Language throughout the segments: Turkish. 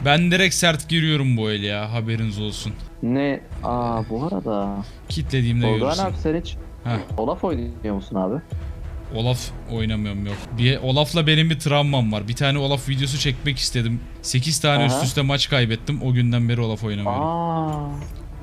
Ben direkt sert giriyorum bu el ya, haberiniz olsun. Ne? Bu arada. Kitlediğimde Tolga görürsün. abi sen hiç Heh. Olaf oynuyor musun abi? Olaf oynamıyorum, yok. Olaf'la benim bir travmam var. Bir tane Olaf videosu çekmek istedim. 8 tane Aha. üst üste maç kaybettim. O günden beri Olaf oynamıyorum.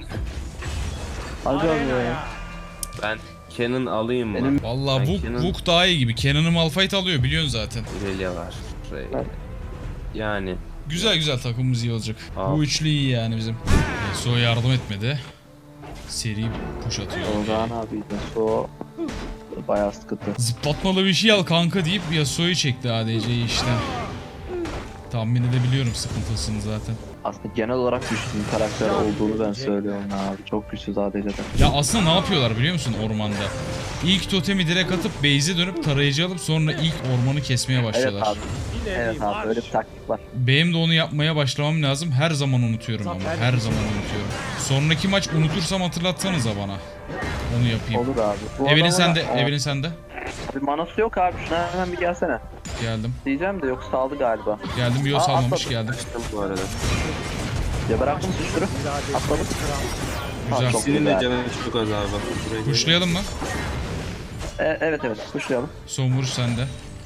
Hadi abi ya. Ben Canon alayım mı? Benim- Vallahi Ben Vuk, Canon- Vuk daha iyi gibi. Cannon'ı Malphite alıyor, biliyorsun zaten. Irelia var. Yani Güzel güzel, takımımız iyi olacak. Aa. Bu üçlü iyi yani bizim. Yasuo yardım etmedi. Seri push atıyor. Tolga abi de so bayağı sıkıntı. Zıplatmalı bir şey al kanka deyip Yasuo'yu çekti ADC'yi işte. Tahmin edebiliyorum sıkıntısını zaten. Aslında genel olarak güçlü bir karakter olduğunu ben söylüyorum abi. Çok güçsüz ADC'den. Ya aslında ne yapıyorlar biliyor musun ormanda? İlk totemi direkt atıp base'e dönüp tarayıcı alıp sonra ilk ormanı kesmeye Evet başlıyorlar. abi. Evet abi öyle bir taktik var. Benim de onu yapmaya başlamam lazım. Her zaman unutuyorum ama. Her zaman unutuyorum. Sonraki maç unutursam hatırlatsanıza bana. Onu yapayım. Olur abi. Bu Evelyn adama- sende. Evelyn sende. Abi manası yok abi. Şuna hemen bir gelsene. Geldim. Diyeceğim de yok saldı galiba. Geldim. Yo salmamış, atladı. geldim. açtım bu arada. Ya bıraktım suçları. Atladım. Güzel. Çok Senin de güzel. canın çok az abi. Buraya gel. Kuşlayalım mı? Evet kuşlayalım. Son vuruş sende.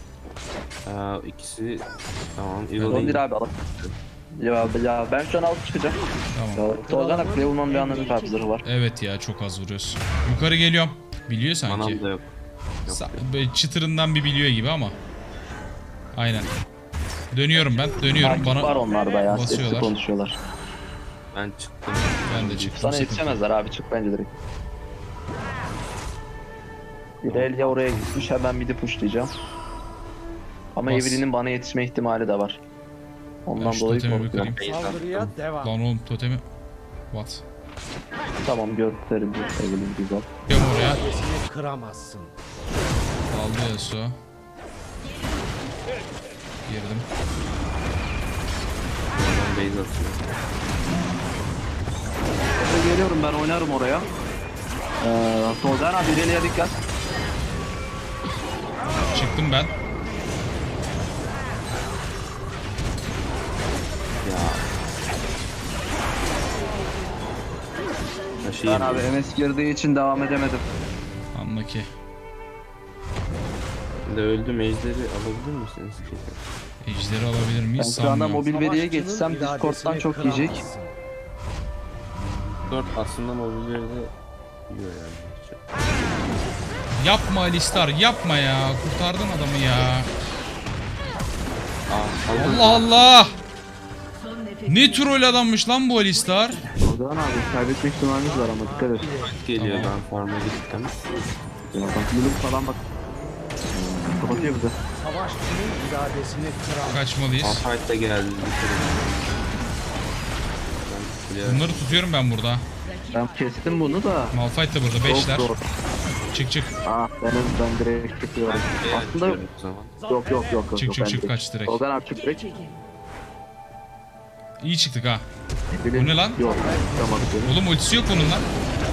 İkisi tamam. Ondir Evil abi alalım. Ya ben şu an alıp çıkacağım. Tamam. Ya, Tolga abi play bulmanın bir anlamı yok abi zırhı var. Evet ya, çok az vuruyorsun. Yukarı geliyorum. Biliyor sanki. Manam da yok. Böyle çıtırından bir biliyor gibi ama. Aynen. Dönüyorum ben. Dönüyorum. Takip var Bana onlarda ya. Sesli basıyorlar. konuşuyorlar. Ben çıktım. ben de çıktım. Sana sıkıntı yok. yetişemezler abi çık bence direkt. İrelia oraya gitmiş hemen midi pushlayacağım. Ama Bas. Evelyn'in bana yetişme ihtimali de var. Ben Ondan şu dolayı totemi bir korkuyorum. kırayım. Saldırıya devam. Lan oğlum totemi. What? Tamam gösterim Evelyn güzel. Gel oraya. Adresini kıramazsın. Aldı Yasuo. Girdim. Ben base atıyorum. Geliyorum ben oynarım oraya. Tolga abi İrelia'ya dikkat. Çıktım ben. Ben Taşıyayım. abi MS girdiği için devam edemedim. Anla ki. Ben de öldüm. Ejderi alabilir misiniz ki? Ejderi alabilir Ben miyiz? şu anda Sanmıyorum. mobil veriye Savaşçının geçsem Discord'dan iradesini çok yiyecek. kıramazsın. 4 aslında mobilleri de yiyor yani. Yapma Alistar, yapma ya. Kurtardın adamı ya. Allah Allah. Ne troll adammış lan bu Alistar. Tolga abi kaybetme ihtimalimiz var ama dikkat et. Geliyor, Tamam. ben farm'a gittim. Ya bak Lulum falan bak. Kapatıyor bize. Savaşçının iradesini kıramazsın. Kaçmalıyız. Malphite de geldi. Bunları tutuyorum ben burada. Ben kestim bunu da. Malphite de burada. Çok Beşler. zor. Çık çık. Ben direkt çıkıyorum. Aslında yok. O zaman. Yok. Çık, çık, ben çık, direkt- kaç direkt. Tolga abi çık direkt. İyi çıktık ha. Bilin- Bu ne lan? Yok. Çıkamadık onu. Oğlum ultisi yok onun lan.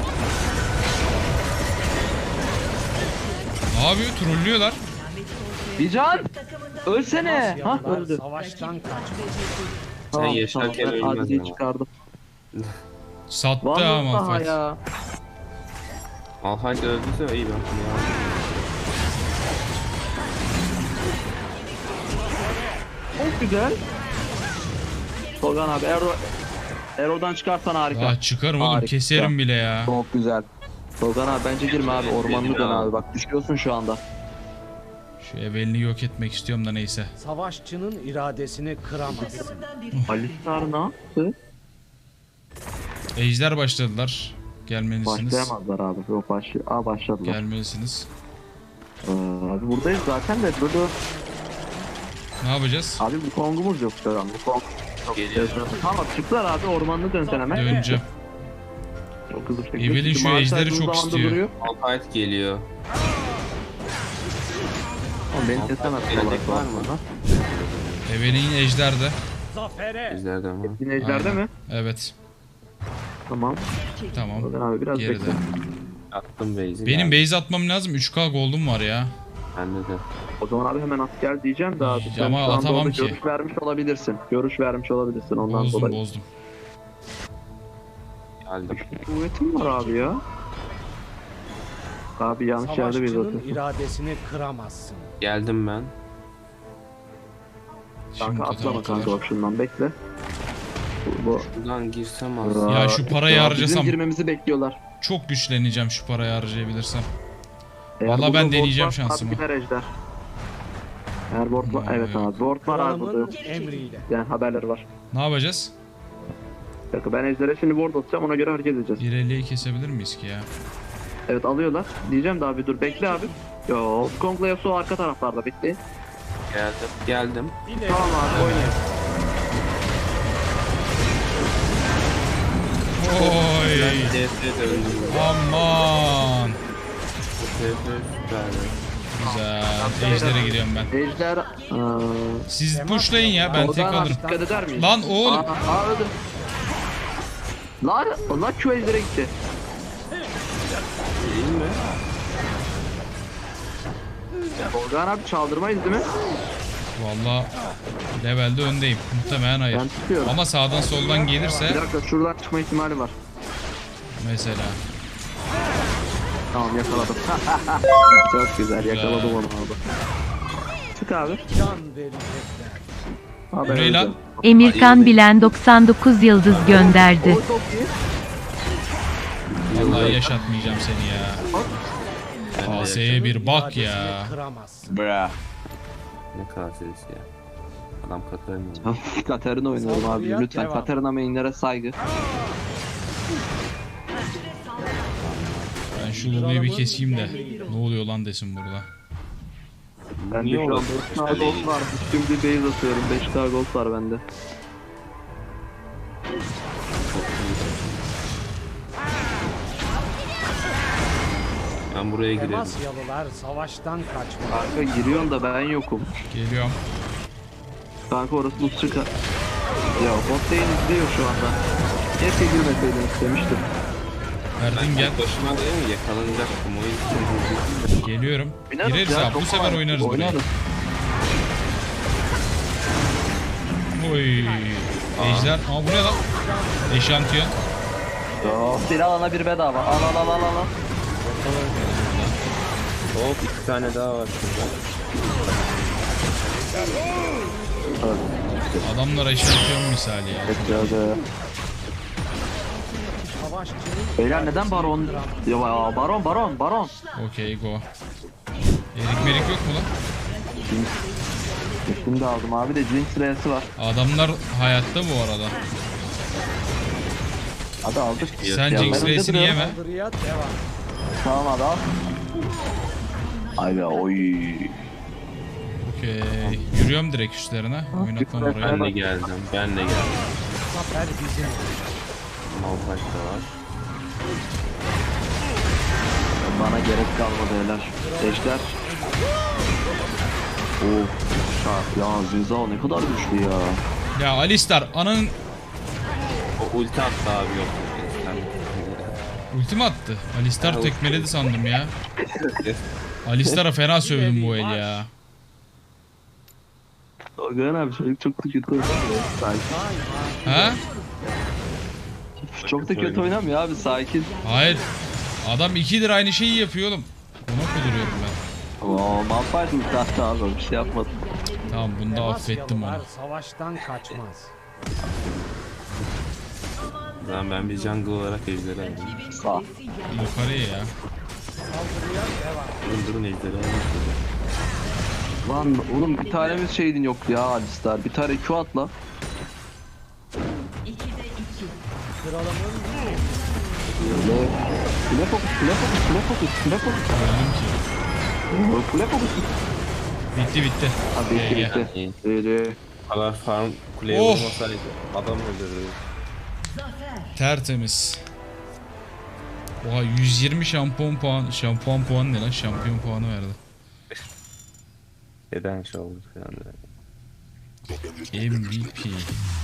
Ne yapıyor? Trollüyorlar. Bican! Ölsene! Ha Yanlar öldü. savaştan kaç. Sen yaşarken ben ölmez Adi'yi ama. çıkardım. Sattı ha Vallahi Malphite. ya. Malphite öldüyse iyi ben bunu yardım. Çok güzel. Tolgan abi Erol'dan çıkarsan harika. Daha çıkarım oğlum, Harika. keserim bile ya. Çok güzel. Tolgan abi bence girme abi ormanlı dön abi bak düşüyorsun şu anda. Şu Evelyn'i yok etmek istiyorum da neyse. Savaşçının iradesini kıramazsın. Alistar ne yaptı? Ejder başladılar. Gelmelisiniz. Başlayamazlar abi. Yok başladılar. Gelmelisiniz. Abi buradayız zaten de böyle Ne yapacağız? abi bu kongumuz yok şu an. Bu kong yok. Geliyor. Tamam çıktılar abi ormanlı dön sen hemen. Döneceğim. Çok hızlı şekilde. Evelyn Çünkü şu maaşlar ejderi uzun çok zamandır istiyor. duruyor. Malphite geliyor. Oğlum beni kesemez Gelecek olarak var var mı? mı? Evelyn ejderde. Zafere. Ejderden mi? Yine ejderde Aynen. mi? Evet. Tamam. Tamam. Tolgan abi biraz Geride. bekle. Attım base'i. Benim geldi. base atmam lazım. 3K gold'um var ya. Bende de. O zaman abi hemen at gel diyeceğim de abi. Sen Ama şu anda atamam orada ki. görüş vermiş olabilirsin. Görüş vermiş olabilirsin ondan Bozdum dolayı. bozdum. Geldim. Kuvvetim var abi ya. Abi yanlış yerde bir Savaşçının atıyorsun. iradesini kıramazsın. Geldim ben. Şimdi Kanka atlama totem kanka bak şundan bekle. Bu. Buradan girsem aslında. Ya şu parayı Ya harcasam- Bizim girmemizi bekliyorlar. Çok güçleneceğim şu parayı harcayabilirsem. Eğer Vallahi burada ben ward deneyeceğim varsa şansımı. Abi gider ejder. Eğer ward var, evet abi ward var abi burada. Kralımın emriyle. Yani haberleri var. Ne yapacağız? Bir dakika ben ejdere şimdi ward atacağım ona göre hareket edeceğiz. 1.50'yi kesebilir miyiz ki ya? Evet alıyorlar. Diyeceğim de abi dur bekle abi. Yo Kong'la Yasuo arka taraflarda bekleyin. Geldim. İleri. Tamam abi oynayın. Oy! DF de öldüm. Aman! DF süperdi. Güzel. Ejder'e gidiyorum ben. Ejder... Siz pushlayın ya ben tek Oradan alırım. dikkat eder miyiz? Lan oğlum! Aa öldüm. Lan Q ejdere gitti. Değil mi? Organ abi çaldırmayız değil mi? Valla levelde öndeyim. Muhtemelen hayır. Ben tutuyorum. Ama sağdan soldan Bir gelirse dakika şuradan çıkma ihtimali var. mesela. Tamam yakaladım. Çok güzel yakaladım onu abi. Çık abi. Can verecekler. Abi Bu ne lan? öldüm. Emirkan Bilen 99 yıldız gönderdi. O çok iyi. Vallahi yaşatmayacağım seni ya. KS'ye bir bak ya. İradesini kıramazsın. Ne kadar serisi ya. Adam Katarina. Katarina oynuyorum abi Saldırıya lütfen. devam. Katarina mainlere saygı. Ben şu lobiyi bir keseyim de ne oluyor lan desin burada. Bende Niye şu an oldu? 4K gold var. Şimdi base atıyorum. 5K gold var bende. Ben buraya girerim. Temasyalılar savaştan kaçmaz. Kanka giriyorsun da ben yokum. Geliyorum. Kanka orası buz çıkar. Ya bot lane izliyor şu anda. Keşke girmeseydin istemiştim. Erdin gel. Başıma değil mi? Yakalanacaktım. O yüzden Geliyorum. Oynarız Gireriz ya, abi. Bu çok sefer kolay. oynarız burayı. Oynarız. Oy. Ejder. Aa bu ne lan? Eşantiyon. Bir alana bir bedava. Al. Hop 2 tane daha var şurada. Adamlar eşantiyon misali ya. Bekliyordu. Savaşçının Beyler neden baron? Ya baron. Okey go. Erik merik yok mu lan? Şimdi aldım abi de Jinx sırası var. Adamlar hayatta bu arada. Hadi aldık. Sen Ya Jinx ben Race'ini önde yeme. saldırıya devam. Tamam hadi al. Ay be oy. Okey. Yürüyorum direkt üstlerine. Oynatmam oraya. Ben de geldim. Zafer bizim. Malphite da var. Bana gerek kalmadı helal. Ejder. Of. Ya Zinzao ne kadar güçlü ya. Ya Alistar ananın O ulti attı abi yok. ultimi attı. Alistar Ya, tekmeledi sandım ya. Alistar'a fena sövdüm bu el ya. Organ abi çocuk çok da kötü oynamıyor. Sakin. Ha? Çok da kötü oynamıyor abi sakin. Hayır. Adam 2'dir aynı şeyi yapıyor oğlum. Ona kuduruyorum ben. Oo Malphite ulti attı abi bir şey yapmadı. Tamam bunda affettim onu. Temasyalılar savaştan kaçmaz. Ben bir jungle olarak ejderi aldım. Sağ. Yukarıya ya. Saldırıya devam. Durun ejderi aldım. Lan oğlum bir tanemiz şeydin yok ya Alistar. Bir tane Q atla. Kralımın Kule fokus. Öldüm ki. Kule fokus. Bitti. Abi Gel, gel. bitti. İyi. Kadar farm kuleye Oh! vurmasaydı adam öldürürdü. Tertemiz. Oha 120 şampuan puanı ne lan? Şampiyon puanı verdi. Neden şey oldu falan. MVP.